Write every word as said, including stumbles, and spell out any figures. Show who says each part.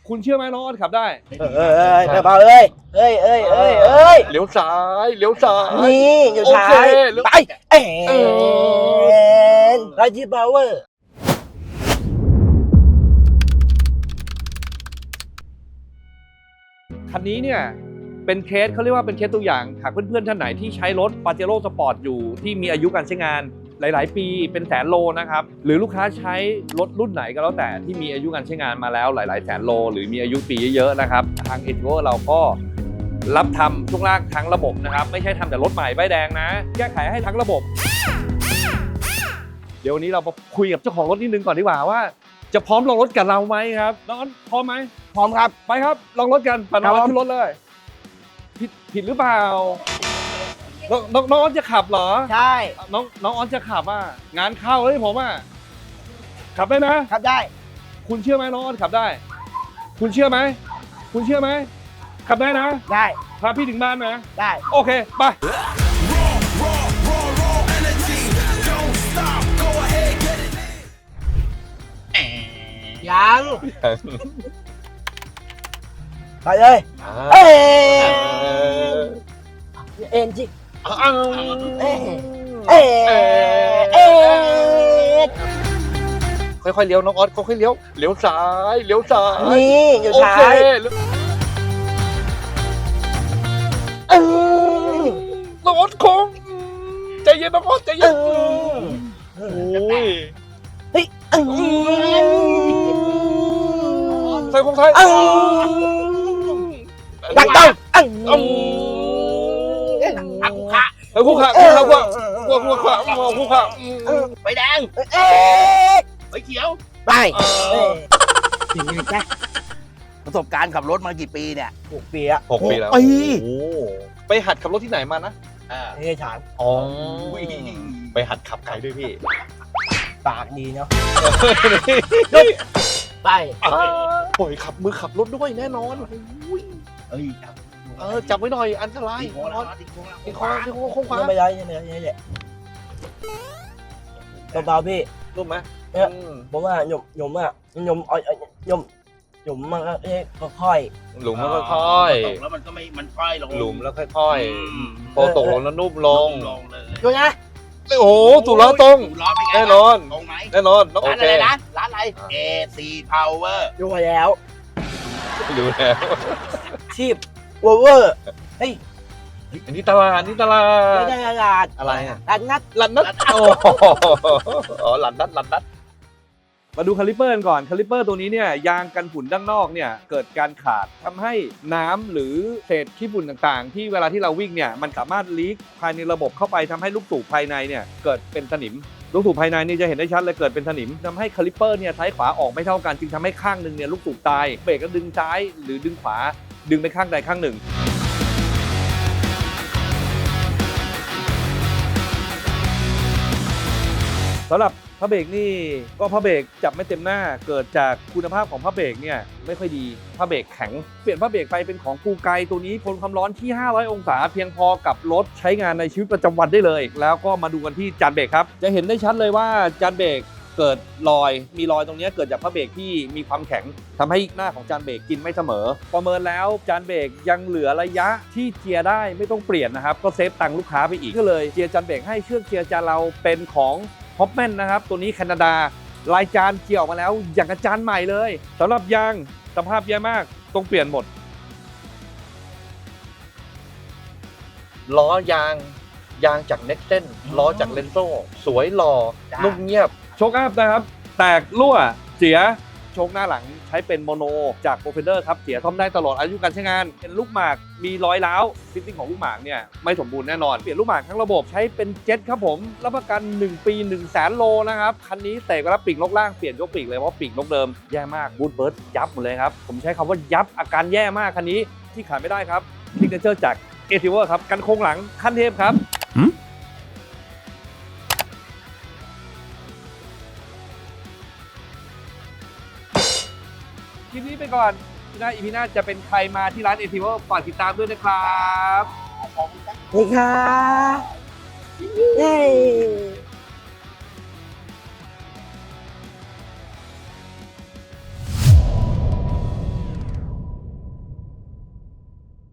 Speaker 1: คุณเชื่อไหมน้องออสขับได้
Speaker 2: เอ้ยเอ้ยเบาเอ้ยเอ้ยเอ้ยเอ้ยเอ้ย
Speaker 1: เลี้ยวซ้ายเลี้ยวซ้าย
Speaker 2: นี่อยู่ซ้ายไปเอ็นไรจีพาวเวอร์
Speaker 1: คันนี้เนี่ยเป็นเคสเขาเรียกว่าเป็นเคสตัวอย่างหากเพื่อนๆท่านไหนที่ใช้รถ Pajero Sport อยู่ที่มีอายุการใช้งานหลายๆปีเป็นแสนโลนะครับหรือลูกค้าใช้รถรุ่นไหนก็แล้วแต่ที่มีอายุการใช้งานมาแล้วหลายๆแสนโลหรือมีอายุปีเยอะๆนะครับทาง เอ ที โอ เราก็รับทำช่วงล่างทั้งระบบนะครับไม่ใช่ทำแต่รถใหม่ป้ายแดงนะแก้ไขให้ทั้งระบบเดี๋ยววันนี้เรามาคุยกับเจ้าของรถนิดนึงก่อนดีกว่าว่าจะพร้อมลงรถกับเราไหมครับน้องอ้อนพร้อมไหม
Speaker 2: พร้อมครับ
Speaker 1: ไปครับลองรถกันปั่นน้องอ้อนขึ้นรถเลยผิดผิดหรือเปล่าน้องน้องน้องอ้อนจะขับเหรอ
Speaker 2: ใช่
Speaker 1: น้องน้องอ้อนจะขับอ่ะงานเข้าเลยผมอ่ะขับได้นะ
Speaker 2: ขับได้
Speaker 1: คุณเชื่อไหมน้องอ้อนขับได้คุณเชื่อไหมคุณเชื่อไหมขับได้นะ
Speaker 2: ได้
Speaker 1: พาพี่ถึงบ้านนะ
Speaker 2: ได้
Speaker 1: โอเคไป
Speaker 2: ยังไปเลยเอ็นเอ็นจิเอ็นเอ็นเอ็น
Speaker 1: ค่อยๆเลี้ยวน้องออสค่อยๆเลี้ยวเลี้ยวซ้ายเลี้ยวซ้าย
Speaker 2: นี่อยู่ซ้าย
Speaker 1: น้องออสคงใจเย็นน้องออสใจเย็นโอ้ย
Speaker 2: เฮ้ย
Speaker 1: ใส่คงไทย
Speaker 2: ดักต้อง
Speaker 1: อักขะเฮ้ยคู่ขาคู่ขาคู่ขาคู่ขาคู่ขา
Speaker 2: ไปแดง
Speaker 3: ไปเขียว
Speaker 2: ไปยังไงจ๊ะประสบการณ์ขับรถมากี่ปีเนี่ยหกปีอะ
Speaker 1: หกปีแล้วโอ้ไปหัดขับรถที่ไหนมานะ
Speaker 2: อ่านี่ฉาง
Speaker 1: อ๋อไปหัดขับไกลด้วยพี่
Speaker 2: ปากดีเนาะไป
Speaker 1: ปล่อยขับมือขับรถด้วยแน่นอน
Speaker 2: เอ้ยจับ
Speaker 1: เออจับไว้หน่อยอันตราย
Speaker 3: ติดโค้งแล้วติดโค้งแล้ว
Speaker 1: ติดโค้งติดโค้งโค้งขวา
Speaker 2: ไม่ได้ยังไงยังไงเนี่ยเบาๆพี่
Speaker 1: รู้ไหม
Speaker 2: เนี่ยผมว่าหยมหยมอ่ะหยมอ้อยหยมหยมมันก็ค่อย
Speaker 1: หลุมแล้วค่อย
Speaker 3: ตกแล้วมันก็ไม่มันค่อยลง
Speaker 1: หลุมแล้วค่อยๆพอตกลงแล้วนุ่มลง
Speaker 2: ดูนะ
Speaker 1: โอ้โหถูกล้อตรงแน่นอน
Speaker 3: ตรงไหม
Speaker 1: แน่นอน
Speaker 3: ร้านอะไรนะร้านอะไร เอ ซี Power
Speaker 2: ดูแล้ว
Speaker 1: ดูแล้ว
Speaker 2: ชีพวอเวอร์เฮ้ย
Speaker 1: อันนี้ตลาดนี่ตลาด
Speaker 2: ไม่ใช่ตลาด
Speaker 1: อะไรอ่ะ
Speaker 2: ลันนัด
Speaker 1: ลันนัดอ๋อลันนัดลันนัดมาดูคาลิปเปอร์ก่อนคาลิปเปอร์ตัวนี้เนี่ยยางกันฝุ่นด้านนอกเนี่ยเกิดการขาดทำให้น้ำหรือเศษขี้ฝุ่นต่างๆที่เวลาที่เราวิ่งเนี่ยมันสามารถลีกภายในระบบเข้าไปทำให้ลูกสูบภายในเนี่ยเกิดเป็นสนิมลูกสูบภายในนี่จะเห็นได้ชัดเลยเกิดเป็นสนิมทำให้คาลิปเปอร์เนี่ยซ้ายขวาออกไม่เท่ากันจึงทำให้ข้างหนึ่งเนี่ยลูกสูบตายเบรกก็ดึงซ้ายหรือดึงขวาดึงไปข้างใดข้างหนึ่งสำหรับพระเบรกนี่ก็พระเบรกจับไม่เต็มหน้าเกิดจากคุณภาพของพระเบรกเนี่ยไม่ค่อยดีพระเบรกแข็งเปลี่ยนพระเบรกไปเป็นของกูไกตัวนี้ทนความร้อนที่ห้าร้อยองศาเพียงพอกับรถใช้งานในชีวิตประจำวันได้เลยแล้วก็มาดูกันที่จานเบรกครับจะเห็นได้ชัดเลยว่าจานเบรกเกิดรอยมีรอยตรงนี้เกิดจากพระเบรกที่มีความแข็งทำให้หน้าของจานเบรกกินไม่เสมอประเมินแล้วจานเบรกยังเหลือระยะที่เจียร์ได้ไม่ต้องเปลี่ยนนะครับก็เซฟตังค์ลูกค้าไปอีกก็เลยเจียร์จานเบรกให้เชือกเจียร์จานเราเป็นของฮอปแมนนะครับตัวนี้แคนาดาลายจานเกี่ยวออกมาแล้วอย่างกับจานใหม่เลยสำหรับยางสภาพแย่มากต้องเปลี่ยนหมดล้อยางยางจากเน็กเซนล้อจากเลนโซ่สวยหล่อนุ่มเงียบโชคอัพนะครับแตกรั่วเสียโชคหน้าหลังใช้เป็นโมโนจากโปรเฟนเดอร์ครับเสียซ่อมได้ตลอดอายุการใช้งานเป็นลูกหมากมีรอยร้าวฟิตติ้งของลูกหมากเนี่ยไม่สมบูรณ์แน่นอนเปลี่ยนลูกหมากทั้งระบบใช้เป็นเจ็ตครับผมรับประกันหนึ่งปีหนึ่งแสนโลนะครับคันนี้เตะก็รับปีกนกล่างเปลี่ยนยกปีกเลยเพราะปีกนกเดิมแย่มากบูทเบิร์ดยับหมดเลยครับผมใช้คำว่ายับอาการแย่มากคันนี้ที่ขาดไม่ได้ครับซิกเนเจอร์จากเอทิเวอร์ครับกันโค้งหลังขั้นเทพครับคลิปนี้ไปก่อนที่หน้าอีพีหน้าจะเป็นใครมาที่ร้านเอทิเวอร์ฝากติดตามด้วยนะครับ
Speaker 2: นี่ค่ะเย้